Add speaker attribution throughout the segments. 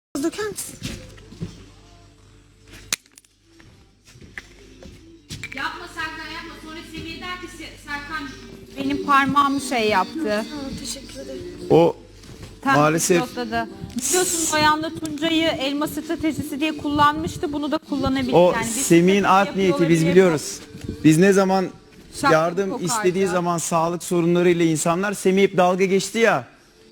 Speaker 1: Döker misin?
Speaker 2: Yapma Serkan yapma. Sonra Semih der ki Serkan
Speaker 3: Benim parmağımı şey yaptı.
Speaker 1: Teşekkür ederim.
Speaker 4: O
Speaker 3: Tam
Speaker 4: maalesef
Speaker 3: yokladı. Biliyorsun Noyan'la Tuncay'ı elma stratejisi diye kullanmıştı. Bunu da kullanabilir.
Speaker 4: o
Speaker 3: Yani biz
Speaker 4: Semih'in
Speaker 3: strateji
Speaker 4: art niyeti
Speaker 3: yapıyorlar
Speaker 4: biz
Speaker 3: diye
Speaker 4: biliyoruz. Biz ne zaman
Speaker 3: şapka
Speaker 4: yardım
Speaker 3: kokardı.
Speaker 4: istediği zaman sağlık sorunlarıyla insanlar Semih hep dalga geçti ya.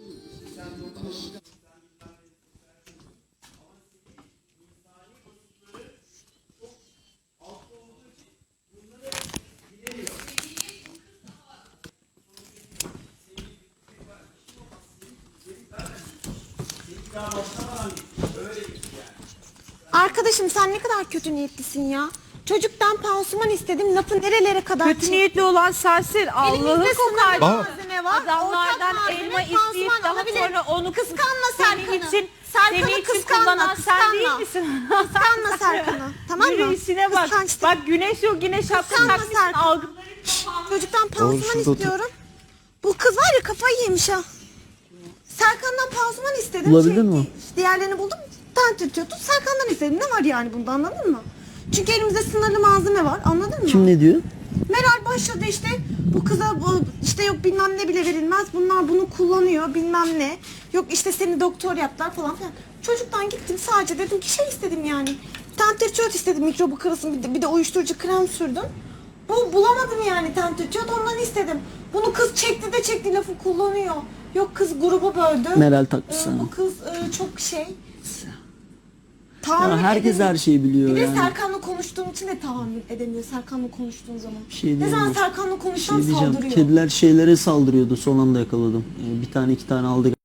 Speaker 1: Arkadaşım sen ne kadar kötü niyetlisin ya. Çocuktan pansuman istedim. Lafı nerelere kadar
Speaker 3: Kötü
Speaker 1: çekti?
Speaker 3: niyetli olan sensin. Allah'ı
Speaker 1: Elimizde
Speaker 3: kokar.
Speaker 1: sınırlı malzeme var.
Speaker 3: Adamlardan
Speaker 1: Ortak
Speaker 3: elma
Speaker 1: malzeme,
Speaker 3: isteyip
Speaker 1: pansuman
Speaker 3: daha
Speaker 1: alabilir.
Speaker 3: sonra onu
Speaker 1: Kıskanma
Speaker 3: senin
Speaker 1: Serkan'ı.
Speaker 3: için,
Speaker 1: Serkan'ı
Speaker 3: senin için
Speaker 1: kıskanma,
Speaker 3: kullanan sen değil
Speaker 1: kıskanma.
Speaker 3: misin?
Speaker 1: Kıskanma Serkan'ı. Tamam mı?
Speaker 3: Yürü işine bak.
Speaker 1: Kıskançlık.
Speaker 3: Bak güneş yok yine şapka
Speaker 1: Kıskanma
Speaker 3: takmışsın
Speaker 1: Serkan.
Speaker 3: algıları.
Speaker 1: Çocuktan pansuman
Speaker 4: şurada otur.
Speaker 1: istiyorum. Bu kız var ya kafayı yemiş ha. Serkan'dan pansuman istedim.
Speaker 5: Bulabildin mi?
Speaker 1: Diğerlerini buldum. Tane tutuyordu. Serkan'dan istedim. Ne var yani bunda anladın mı? Çünkü elimizde sınırlı malzeme var. Anladın mı?
Speaker 5: Kim ne diyor?
Speaker 1: Meral başladı işte bu kıza bu işte yok bilmem ne bile verilmez. Bunlar bunu kullanıyor bilmem ne. Yok işte seni doktor yaptılar falan filan. Çocuktan gittim sadece dedim ki şey istedim yani. Tentriçot istedim mikrobu kırılsın bir de uyuşturucu krem sürdüm. Bu bulamadım yani tentriçot ondan istedim. Bunu kız çekti de çekti lafı kullanıyor. Yok kız grubu böldü.
Speaker 5: Meral takmış sana.
Speaker 1: Bu kız çok şey.
Speaker 5: Ya
Speaker 1: Tahammül
Speaker 5: herkes
Speaker 1: edemiyor.
Speaker 5: her şeyi biliyor
Speaker 1: Bir de
Speaker 5: yani.
Speaker 1: Serkan'la konuştuğum için de tahammül edemiyor. Serkan'la konuştuğun zaman.
Speaker 5: Bir şey
Speaker 1: ne zaman
Speaker 5: diyemem.
Speaker 1: Serkan'la
Speaker 5: Bir
Speaker 1: konuşsam
Speaker 5: şey diyeceğim.
Speaker 1: saldırıyor.
Speaker 5: Kediler şeylere saldırıyordu. Son anda yakaladım. Bir tane iki tane aldı.